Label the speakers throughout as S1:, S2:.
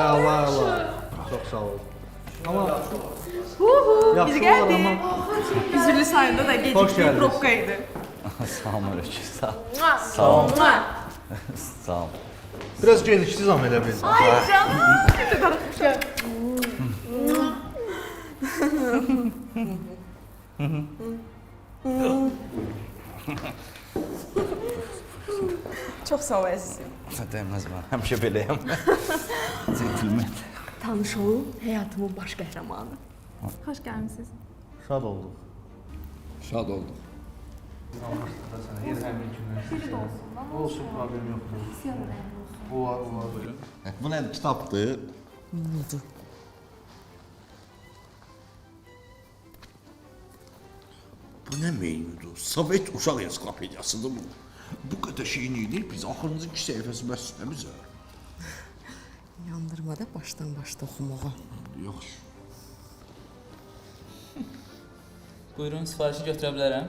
S1: Allah Allah. Çox sağ ol. Amma
S2: Biz gəldik. Üzürlü sayında da gecikdik, probka idi.
S3: Sağ ol Mürəkkə, sağ ol.
S2: Sağ ol.
S3: Sağ ol.
S1: biraz gecikdiniz amma elə bil.
S2: Ay canım. Çox sağ ol əzizim.
S3: Dəyməz mən, həmişə beləyəm. Centilmen.
S2: Tanış olun, həyatımın baş qəhrəmanı. Xoş gəlmisiniz.
S1: Şad olduq.
S4: Şad olduq.
S1: Olsun, problem yoxdur. O var.
S4: Bu nədir? Kitabdır. Bu nə meyundur? Sovet uşaq ensiklopediyasıdır bu. Bu qədər şeyin idi, biz axırıncı 2 səhifəsi bəs nə bizə?
S5: Yandırmada başdan başda oxumağa.
S4: Yaxşı.
S6: Buyurun, sifarişi götürə bilərəm.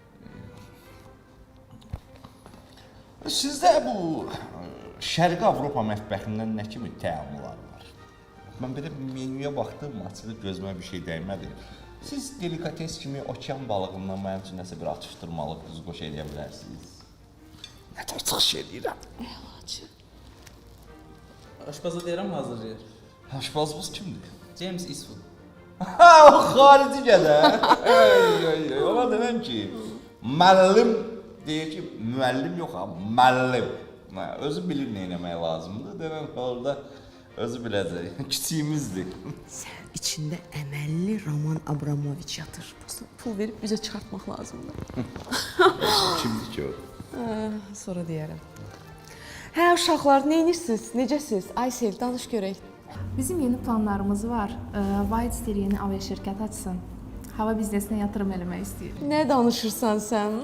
S4: Sizdə bu Şərqi Avropa mətbəxindən nə kimi təamlar var? Mən belə menyuya baxdım, açığı gözümə bir şey dəymədi. Siz delikates kimi okean balığından mənim üçün nəsə bir atışdırmalıq düz qoş edə bilərsiniz. Nə tər çıxış edirəm?
S5: Əlacı.
S6: Aşpaza deyirəm, hazırlayır.
S4: Aşpazımız kimdir?
S6: James Eastwood.
S4: Ha, o xarici gədə. Ona deməm ki, müəllim deyir ki, müəllim yox ha, müəllim. Özü bilir nə etmək lazımdır. Deməm ki, orada özü biləcək. Kiçiyimizdir.
S5: Sən içində əməlli Roman Abramoviç yatır. Pul verib üzə çıxartmaq lazımdır.
S4: Kimdir ki o?
S5: Sonra deyərəm. Hə, uşaqlar, neyinirsiniz? Necəsiz? Aysel, danış görək.
S7: Bizim yeni planlarımız var. White Star yeni aviaşirkət açsın. Hava biznesinə yatırım eləmək istəyir.
S5: Nə danışırsan sən?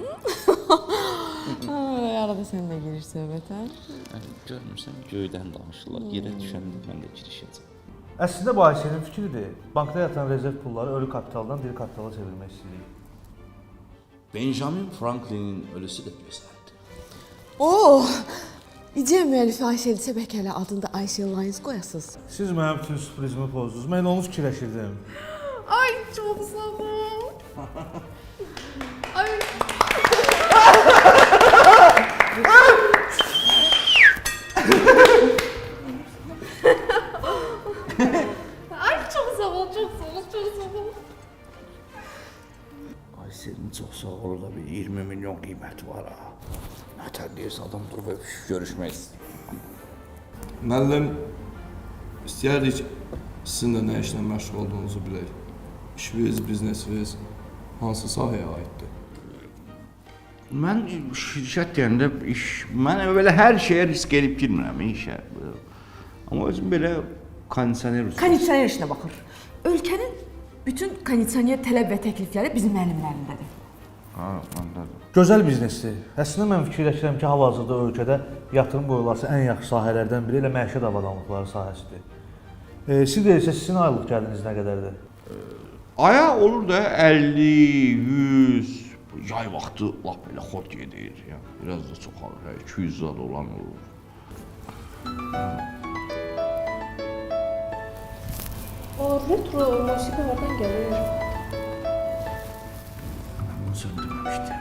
S5: Arada sən də girir söhbətə.
S3: Görmürsən, göydən danışırlar. Yerə düşəndə mən də girişəcəm.
S1: Əslində bu Ayselin fikridir. Bankda yatan rezerv pulları ölü kapitaldan diri kapitala çevirmək istəyirik.
S4: Benjamin Franklinin ölüsü də gözəldir.
S5: Oh! İdeya müəllifi Ayselsə bəlkə hələ adında Aysel Lines qoyasınız.
S1: Siz mənim bütün sürprizimi pozdunuz. Mən onu fikirləşirdim.
S7: Ay çox sağ ol. Ay. Ay çox sağ ol, çox sağ ol, çox sağ ol.
S4: Ayselin çox sağ olur da bir 20 milyon qiyməti var ha. Nətər deyirsə adam durub görüşmək istəyir.
S8: Müəllim, istəyərdik sizin də nə işlə məşğul olduğunuzu bilək. İşiniz, biznesiniz hansı sahəyə aiddir?
S4: Mən şirkət deyəndə mən belə hər şeyə risk edib girmirəm işə. Amma özüm belə kondisioner usulü.
S5: Kondisioner işinə baxır. Ölkənin bütün kondisioner tələb və təklifləri bizim əlimlərindədir.
S4: Ha, anladım.
S1: Gözəl biznesdir. Əslində mən fikirləşirəm ki, hal-hazırda ölkədə yatırım qoyulası ən yaxşı sahələrdən biri elə məişət avadanlıqları sahəsidir. Siz deyirsə, sizin aylıq gəliriniz nə qədərdir?
S4: Aya olur da 50, 100, yay vaxtı lap belə xot gedir. Yəni, biraz da çox alır, 200 zad olan olur.
S7: O retro musiqi hardan gəlir?
S4: Bunu söndürməmişdim.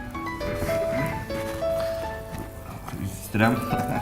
S4: İstəyirəm.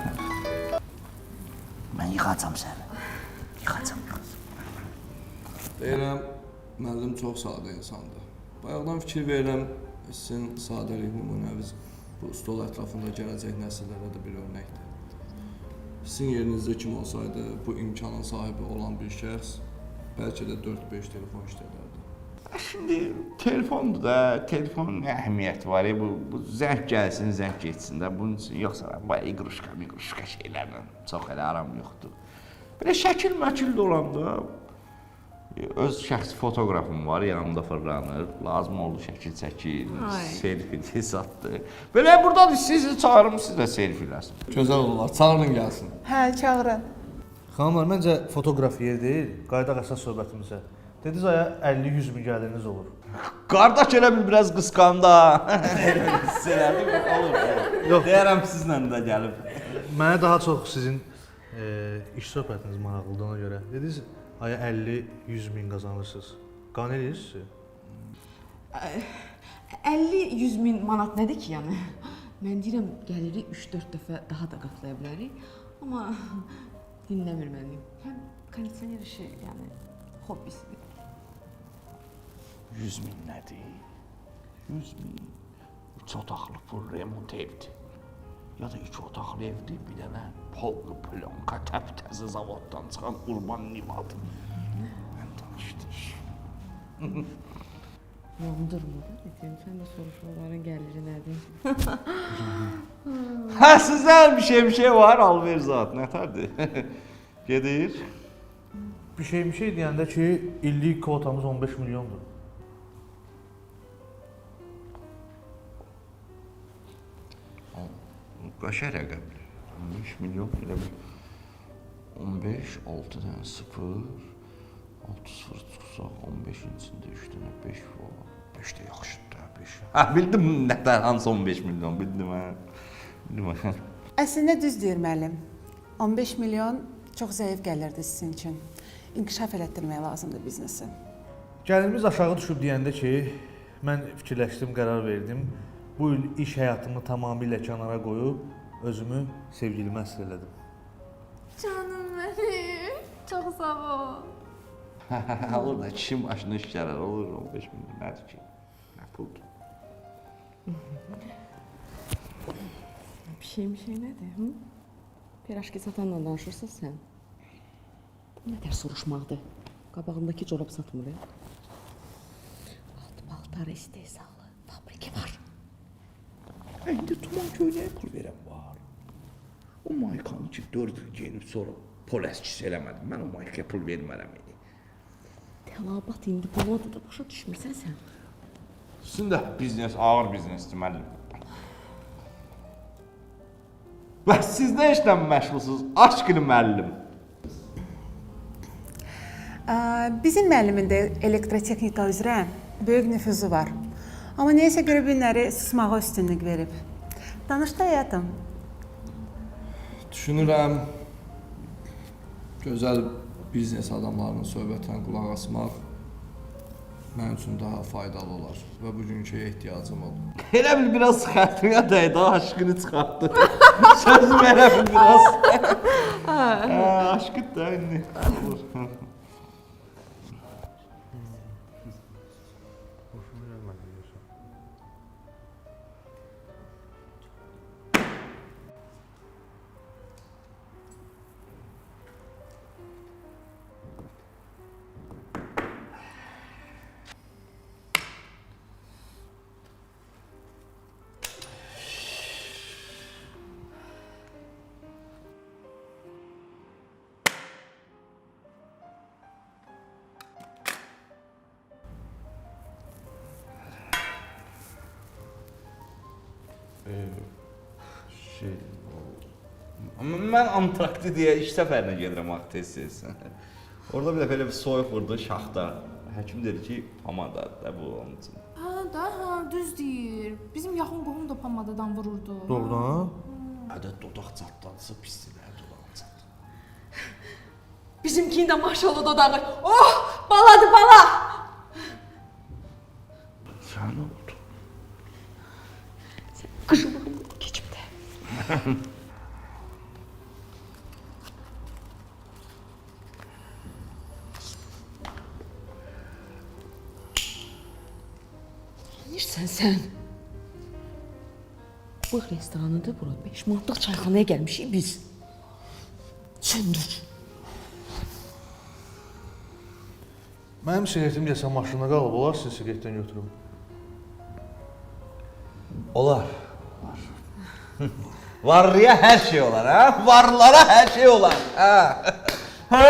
S4: Mən yıxacam səni. Yıxacam.
S8: Deyirəm, müəllim çox sadə insandır. Bayaqdan fikir verirəm, sizin sadəlik nümunəviz bu stol ətrafında gələcək nəsillərə də bir örnəkdir. Sizin yerinizdə kim olsaydı, bu imkanın sahibi olan bir şəxs bəlkə də 4-5 telefon işlədərdi.
S4: Şimdi telefondur da, telefonun nə əhəmiyyəti var ya, bu zəng gəlsin, zəng geçsin də, bunun üçün yoxsa bu iqruşka şeylərlə çox elə aram yoxdur. Belə şəkil-məkil də olanda, öz şəxsi fotoqrafım var, yanımda fırlanır, lazım oldu şəkil çəkil, selfie hesabdır. Belə buradan sizi çağırım, siz də selfieləsin.
S8: Gözəl olar, çağırın gəlsin.
S2: Hə, çağırın.
S1: Xanımlar, məncə fotoqraf yer deyil, qaydaq əsas söhbətimizə. Dediniz aya 50-100 min gəliriniz olur.
S4: Qardaş elə bil biraz qısqandı ha. Hiss elədim, olur.
S1: Yox.
S4: Deyərəm sizlə də gəlib.
S1: Mənə daha çox sizin İş söhbətiniz maraqlıdır ona görə. Dediniz, aya 50-100 min qazanırsınız. Qan eləyirsiniz?
S5: 50-100 min manat nədir ki, yəni? Mən deyirəm, gəliri 3-4 dəfə daha da qatlaya bilərik. Amma dinləmir məni. Həm kondisioner işi, yəni hobbisidir.
S4: 100 min nədir? 100 min. 3 otaqlı full remont evdir. Ya da 2 otaqlı evdir, bir dənə pollu plonka təp-təzə zavoddan çıxan Urban Nivad. Mən danışdım.
S5: Yandırma da dedim, sən də soruşmaların gəliri nədir?
S4: Hə, sizdən bir şey var, alver zat, nətərdir? Gedir.
S1: Bir şey deyəndə ki, illik kvotamız 15 milyondur.
S4: Qaşa rəqəmdir. 15 milyon elə bir 15, 6 dənə 0, 6 0 çıxsaq 15-in içində 3 dənə 5 var. 5 də yaxşıdır da, 5. Hə, bildim nətər hansı 15 milyon, bildim hə. Bildim hə.
S9: Əslində düz deyir müəllim. 15 milyon çox zəif gəlirdi sizin üçün. İnkişaf elətdirmək lazımdır biznesi.
S1: Gəlirimiz aşağı düşüb deyəndə ki, mən fikirləşdim, qərar verdim. Bu il iş həyatımı tamamilə kənara qoyub özümü sevgilimə əsir elədim.
S7: Canım mənim. Çox sağ ol.
S4: Olur da kişi başına iş gələr, olur 15 milyon nədir ki? Nə puldur?
S5: Bir şey nədir? Hı? Piraşki satanla danışırsan sən. Bu nətər soruşmaqdır? Qabağındakı corab satmır. Alt paltar istehsalı fabriki var.
S4: İndi tuman köynəyə pul verən var. O maykanı ki 4 il geyinib sonra pol əskisi eləmədim. Mən o maykaya pul vermərəm idi.
S5: Tələbat indi buladı da başa düşmürsən sən.
S4: Sizin də biznes, ağır biznesdir müəllim. Və siz nə işlə məşğulsunuz? Aşkını müəllim.
S9: Bizim müəllimin də elektrotexnika üzrə böyük nüfuzu var. Amma neyəsə görə günləri susmağa üstünlük verib. Danışdı həyatım.
S8: Düşünürəm, gözəl biznes adamlarının söhbətinə qulaq asmaq mənim üçün daha faydalı olar və bugünkü ehtiyacım oldu.
S4: Elə bil biraz xətrinə dəydi, aşkını çıxartdı. Sözüm elə bil biraz. Aşkıd da indi. Mən Antrakti deyə iş səfərinə gedirəm axı tez-tez. Orada bir dəfə elə bir soyuq vurdu şaxta. Həkim dedi ki, pomadadır da bu onun üçün.
S7: Ha, düz deyir. Bizim yaxın qohum da pomadadan vururdu.
S1: Doğrudan?
S4: Hədə dodaq çatladısa pisdir də dodaq çatladı.
S5: Bizimkinin də maşallah dodağı. Oh, baladır bala.
S4: Sən nə oldu?
S5: Qıжılığım keçib də. Neyirsən sən? Bu restoranıdır bura. 5 manatlıq çayxanaya gəlmişik biz. Söndür.
S1: Mənim siqaretim deyəsən maşında qalıb, olar siz siqaretdən götürüm.
S4: Olar. Varlıya hər şey olar, hə? Varlara hər şey olar, hə?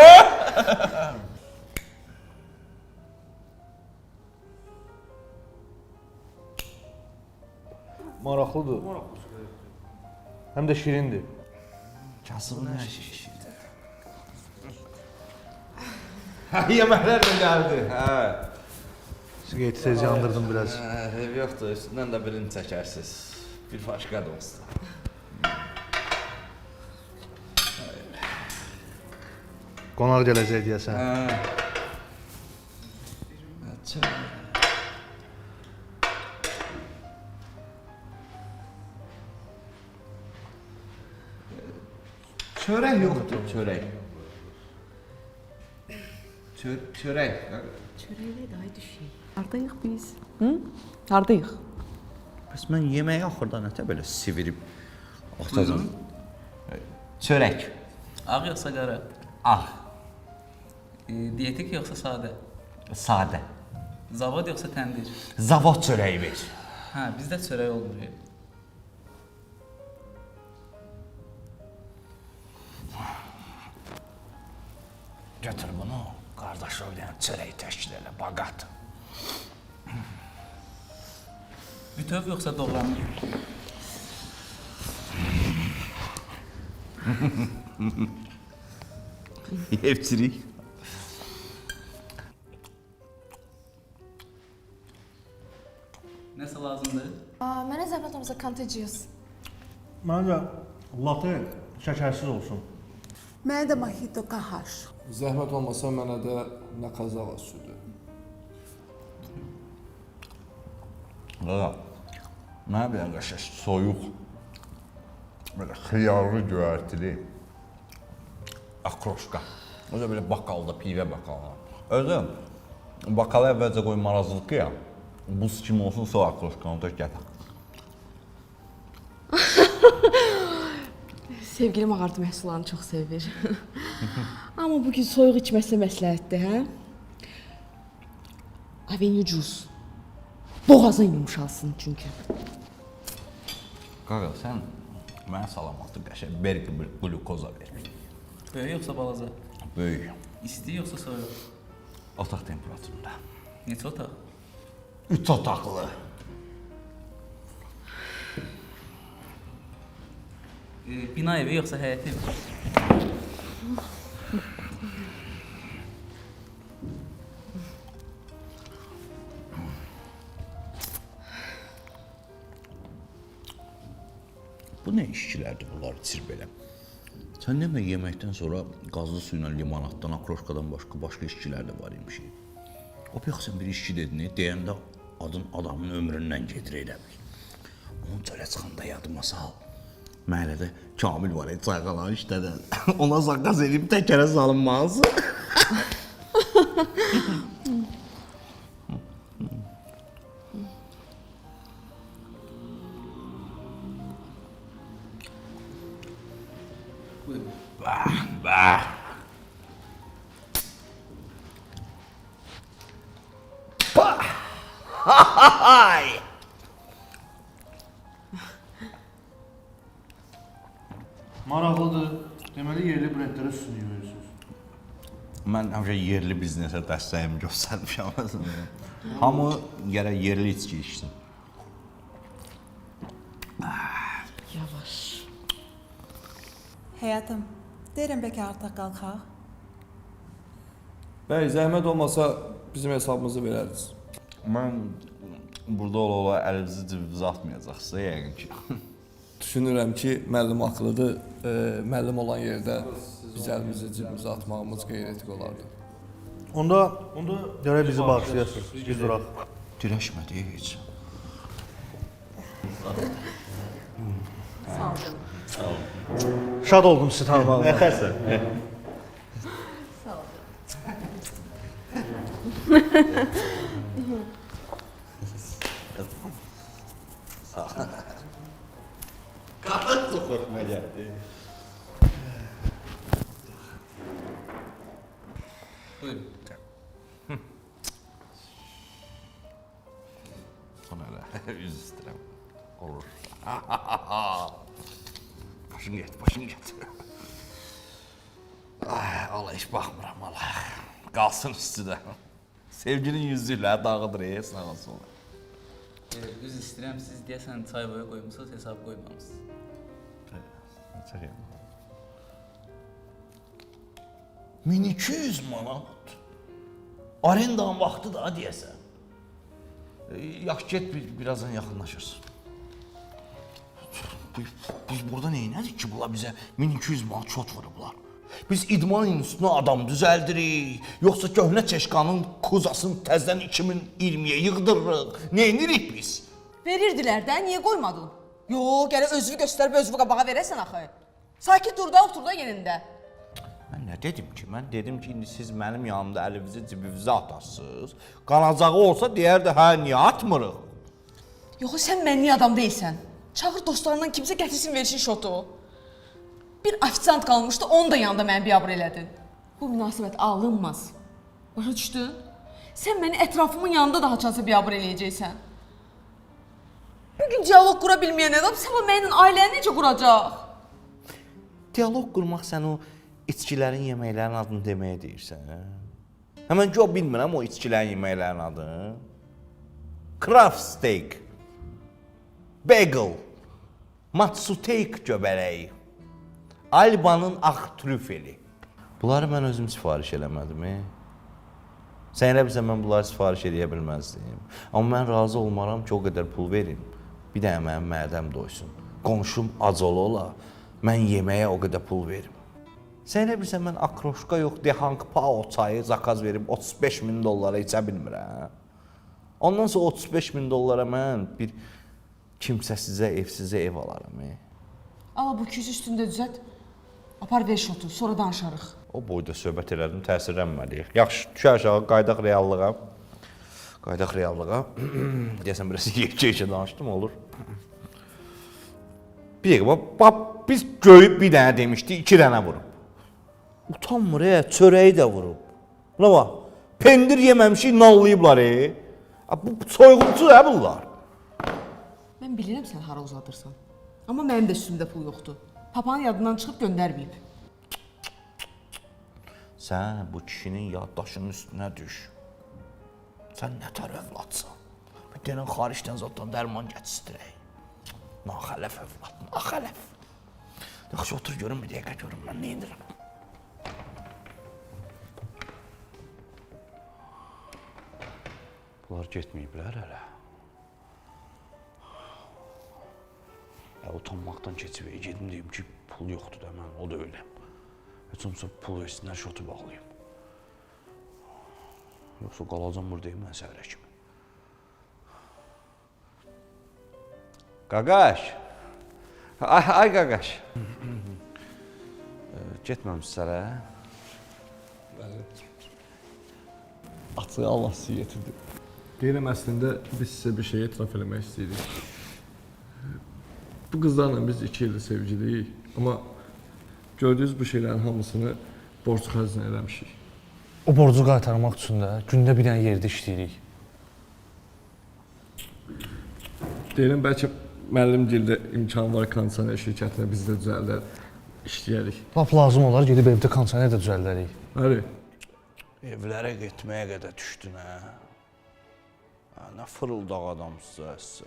S1: Maraqlıdır. Həm də şirindir.
S4: Kasıbın hər şey şişirdir. Yeməklər də gəldi, hə?
S1: Siqareti tez yandırdım biraz.
S4: Ev yoxdur, üstündən də birini çəkərsiz. Bir başqa dostlar.
S1: Qonaq gələcək deyəsən.
S4: Çörək yoxdur, çörək. Çörək.
S5: Çörəklə də ay düşük. Hardayıq biz? Hı? Hardayıq?
S4: Bəs mən yeməyi axırda nətə belə sivirib atacam? Çörək.
S6: Ağ yoxsa qara?
S4: Ağ.
S6: Dietik yoxsa sadə?
S4: Sadə.
S6: Zavod yoxsa təndir?
S4: Zavod çörəyi ver.
S6: Hə, bizdə çörək olmuyor.
S4: Götür bunu, qardaş o bir çörək təşkil elə, baqat.
S6: Bütöv yoxsa doğranma?
S4: Hepçirik.
S6: Nəsə lazımdır?
S7: Mənə zəhmət olmasa contagious.
S1: Məncə latte şəkərsiz olsun.
S9: Mənə də mojito qahaş.
S8: Zəhmət olmasa mənə də nakazava südü.
S4: Qaqa, mənə bir qəşəng soyuq, belə xiyarlı göyərtili akroşka. Özə belə bakalda, pivə bakalda. Özü, bakala əvvəlcə qoy marazlıqı ya, buz kimi olsun, sonra akroşkanı da gətir.
S5: Sevgilim ağartı məhsullarını çox sevir. Amma bugün soyuq içməsə məsləhətdir, hə? Avenue Juice. Boğazın yumuşalsın çünki.
S4: Qaqa, sən mənə salamatı qəşəng berqi bir glukoza ver.
S6: Böyük yoxsa balaca?
S4: Böyük,
S6: İsti yoxsa soyuq?
S4: otaq temperaturunda.
S6: Neçə otaq?
S4: 3 otaqlı.
S6: Bina evi yoxsa həyət evi?
S4: Bu nə işçilərdir bunlar içir belə? Sən demə yeməkdən sonra qazlı su ilə limonaddan, akroşkadan başqa işçilər də var imiş. O yox sən bir işçi dedin, deyəndə adın adamın ömründən gedir elə bil. Onun çölə çıxanda yadıma sal. Məhəllədə Kamil var, çayqalan işlədən. Ona zaqqaz edib təkərə salınmaz. Bah. Hay!
S1: Maraqlıdır. Deməli yerli brendlərə üstünlük verirsiniz.
S4: Mən həmişə yerli biznesə dəstəyimi göstərmişəm. Hamı gərək yerli içki içsin.
S5: Yavaş.
S9: Həyatım, deyirəm bəlkə artıq qalxaq.
S8: Bəy, zəhmət olmasa bizim hesabımızı verəriz.
S4: Mən burada ola-ola əlinizi cibinizə atmayacaqsınız yəqin ki.
S8: Düşünürəm ki, müəllim haqlıdır. Müəllim olan yerdə biz əlimizi cibimizə atmağımız qeyri-etik olardı.
S1: Onda gərək bizi bağışlayasınız. Biz duraq.
S4: Dirəşmədi heç.
S1: Şad oldum sizi tanımağıma.
S4: Nətərsən? Qanat soxurma gəldi.
S6: Buyurun.
S4: Sonra elə üz istirəm. Olur. Başın get. Ay, Allah heç baxmıram, Allah. Qalsın üstüdə. Sevginin yüzüylə dağıdır, sağ olsun.
S6: Üz istəyirəm, siz deyəsən çay boya qoymusunuz, hesab qoymamışsınız.
S4: Çəkəyim. 1200 manat. Arendanın vaxtı da deyəsən. Yaxşı get, birazdan yaxınlaşırsın. Biz burada neynədik ki, bunlar bizə 1200 manat şot vurublar. Biz idman institutuna adam düzəldirik, yoxsa köhnə çeşkanın kuzasını təzədən 2020-yə yığdırırıq. Nə edirik biz?
S5: Verirdilər də, niyə qoymadın? Yo, gələ özünü göstərib özünü qabağa verəsən axı. Sakit dur da, otur da yerində.
S4: Mən nə dedim ki? Mən dedim ki, indi siz mənim yanımda əlinizi cibinizə atarsınız. Qanacağı olsa deyərdi, hə, niyə atmırıq?
S5: Yoxsa sən mənli adam deyilsən. Çağır dostlarından kimsə gətirsin versin şotu. Bir ofisiant qalmışdı, onu da yanında məni biabır elədin. Bu münasibət alınmaz. Başa düşdün? Sən məni ətrafımın yanında daha çansa biabır eləyəcəksən. Bugün diyalog qura bilməyən adam sabah mənimlə ailəni necə quracaq?
S4: Diyalog qurmaq sən o içkilərin, yeməklərin adını deməyə deyirsən, hə? Həmən ki, o bilmirəm o içkilərin, yeməklərin adını. Craft steak, bagel, matsuteik göbələyi, Alba'nın ağ trüfeli. Bunları mən özüm sifariş eləmədim, Sən elə bilsən, mən bunları sifariş edə bilməzdim. Amma mən razı olmaram ki, o qədər pul verin. Bir dənə mənim mədəm doysun. Qonşum acılı ola, mən yeməyə o qədər pul verim. Sən elə bilsən, mən akroşka yox, Dehang Pao çayı zakaz verib $35.000 içə bilmirəm. Ondan sonra $35.000 mən bir kimsəsizə, evsizə ev alaram.
S5: Ala bu küs üstündə düzət, apar ver şotu, sonra danışarıq.
S4: O boyda söhbət elədim, təsirlənməliyik. Yaxşı, düşə aşağı, qaydaq reallığa. Qaydaq reallığa. Deyəsən, biraz yekə danışdım, olur. Bir dəqiqə, biz göyüb bir dənə demişdik, 2 dənə vurub. Utanmır, çörəyi də vurub. Buna bax, pendir yeməmişik, nallayıblar, Bu soyğunçu bunlar.
S5: Mən bilirəm sən hara uzadırsan. Amma mənim də üstümdə pul yoxdur. Papanın yadından çıxıb göndərməyib.
S4: Sən bu kişinin yaddaşının üstünə düş. Sən nə tər övladsan? Bir dənə xaricdən zaten dərman gətirək. Naxələf övlad, naxələf. Yaxşı, otur görün, bir dəqiqə görün, mən nə edirəm?
S3: Bunlar getməyiblər hələ. Utanmaqdan keçib, gedim deyim ki, pul yoxdur da mən, o da öyləm. Heç olmasa pul versinlər, şotu bağlayayım. Yoxsa qalacam buradayım mən səhərə kimi. Qaqaş! Ay qaqaş! Getməmişsizlər,
S8: Bəli. Açığı Allah sizi yetirdi. Deyirəm, əslində biz sizə bir şey etiraf eləmək istəyirik. Bu qızlarla biz 2 ildir sevgiliyik, amma gördüyünüz bu şeylərin hamısını borc xərclə eləmişik.
S1: O borcu qaytarmaq üçün də gündə bir dənə yerdə işləyirik.
S8: Deyirəm, bəlkə müəllim dildə imkan var, kondisioner şirkətinə biz də düzəldər, işləyərik.
S1: Lap lazım olar, gedib evdə kondisioner də düzəldərik.
S8: Bəli.
S3: Evlərə getməyə qədər düşdün, hə? Nə fırıldaq adamsınız,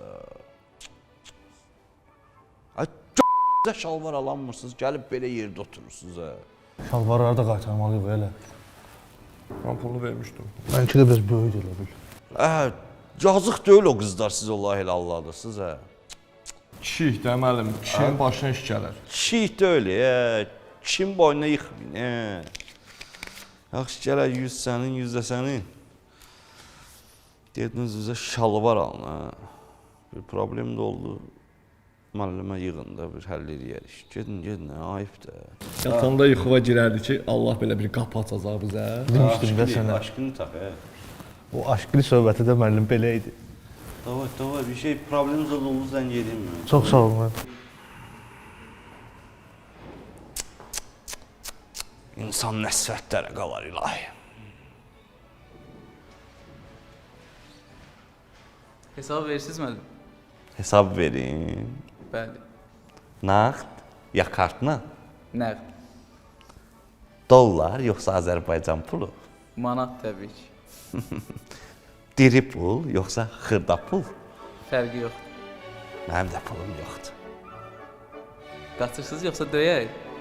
S3: Ay, c***də şalvar alanmırsınız, gəlib belə yerdə oturursunuz,
S1: Şalvarları da qaytarmalıyıq, elə.
S8: Mən pulu vermişdim.
S1: Mənki də biraz böyük elə bil.
S3: Yazıq deyil o qızlar, siz Allah elə Allah'dasınız,
S8: Kişiyik də, müəllim, kişinin başına iş gələr.
S3: Kişiyik deyil, kişinin boynuna yıxmayın, Yaxşı, gələr 100 sənin, 100 də sənin. Dediniz, bizə şalvar alın, Bir problem də oldu. Müəllimə yığın da, bir həll eləyərik. Gedin, ayıb da.
S8: Yatanda yuxuva girərdi ki, Allah belə bir qapı açacaq bizə.
S1: Demişdim də sənə.
S3: Aşkını tax,
S1: O aşklı söhbəti də müəllim belə idi.
S3: Davay, bir şey, problemimiz oldu, zəng edeyim mi?
S1: Çox sağ olun.
S3: İnsan nəsvətlərə qalar ilahi.
S6: Hesabı verirsiniz müəllim?
S3: Hesab verin.
S6: Bəli.
S3: Nağd, ya kartla?
S6: Nəqd.
S3: Dollar, yoxsa Azərbaycan pulu?
S6: Manat təbii ki.
S3: Diri pul, yoxsa xırda pul?
S6: Fərqi yoxdur.
S3: Mənim də pulum yoxdur.
S6: Qaçırsınız yoxsa döyək?